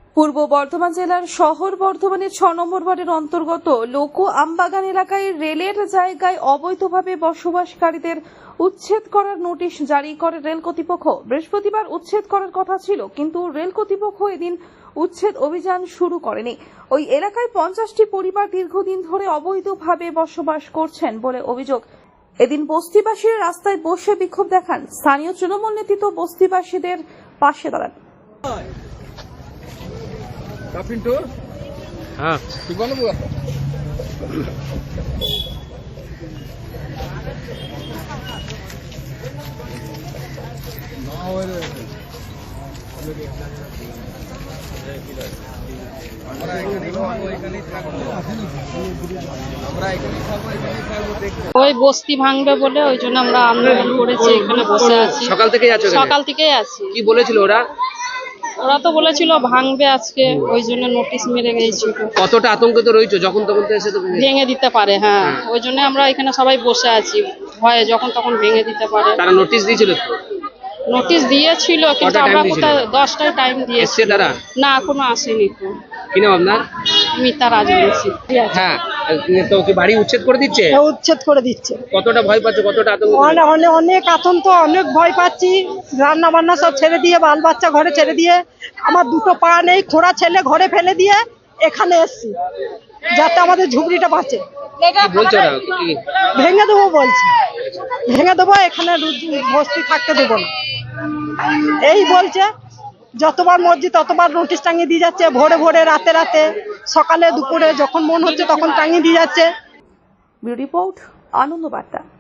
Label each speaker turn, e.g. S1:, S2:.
S1: পূর্ব বর্ধমান জেলার শহর বর্ধমানের ৬ নম্বর ওয়ার্ডের অন্তর্গত লোকো আমবাগান এলাকায় রেলের জায়গায় অবৈধভাবে বসবাসকারীদের উচ্ছেদ করার নোটিশ জারি করে রেল কর্তৃপক্ষ। বৃহস্পতিবার উচ্ছেদ করার কথা ছিল, কিন্তু রেল কর্তৃপক্ষ এদিন উচ্ছেদ অভিযান শুরু করেনি। ওই এলাকায় ৫০টি পরিবার দীর্ঘদিন ধরে অবৈধভাবে বসবাস করছেন বলে অভিযোগ। এদিন বস্তিবাসীরা রাস্তায় বসে বিক্ষোভ দেখান। স্থানীয় তৃণমূল নেতৃত্ব বস্তিবাসীদের পাশে দাঁড়ান।
S2: Pintu?
S3: हाँ
S2: Di mana bu?
S4: ওই বস্তি ভাঙবে বলে ওই জন্য আমরা আন্দোলন করেছি, এখানে বসে আছি।
S3: সকাল থেকেই আছো?
S4: সকাল থেকেই আছি।
S3: কি বলেছিল ওরা?
S4: ওরা তো বলেছিল ভাঙবে আজকে, ওই জন্য নোটিশ মেরে গেছিল।
S3: কতটা আতঙ্কিত রয়েছে? যখন তখন তো এসে তো
S4: ভেঙে দিতে পারে। হ্যাঁ, ওই জন্য আমরা এখানে সবাই বসে আছি, ভয়ে যখন তখন ভেঙে দিতে পারে।
S3: তারা নোটিশ দিয়েছিল তো?
S4: নোটিশ দিয়েছিল, কিন্তু আমরা কোথায় 10টায় টাইম দিয়েছি।
S3: তারা
S4: না, এখনো আসেনি তো।
S3: কি নাম আপনার?
S4: মিতা রাজবংশী।
S3: হ্যাঁ, তো কি বাড়ি উচ্ছেদ করে দিচ্ছে?
S5: উচ্ছেদ করে দিচ্ছে।
S3: কতটা ভয় পাচ্ছ? কতটা আতঙ্ক?
S5: অনেক আতঙ্ক, অনেক ভয় পাচ্ছি। রান্না বান্না সব ছেড়ে দিয়ে, বাল বাচ্চা ঘরে ছেড়ে দিয়ে, আমার দুটো পা নেই, খোঁড়া ছেলে ঘরে ফেলে দিয়ে এখানে এসছি যাতে আমাদের ঝুপড়িটা বাঁচে।
S3: বলছো না কি
S5: ভেঙে দেবো বলছে, ভেঙে দেবো, এখানে বস্তি থাকতে দেবো না এই বলছে। যতবার মর্জি ততবার নোটিশ টাঙিয়ে দিয়ে যাচ্ছে, ভোরে ভোরে, রাতে রাতে, সকালে দুপুরে, যখন মন হচ্ছে তখন টাঙিয়ে দিয়ে যাচ্ছে।
S1: ব্যুরো রিপোর্ট, আনন্দ বার্তা।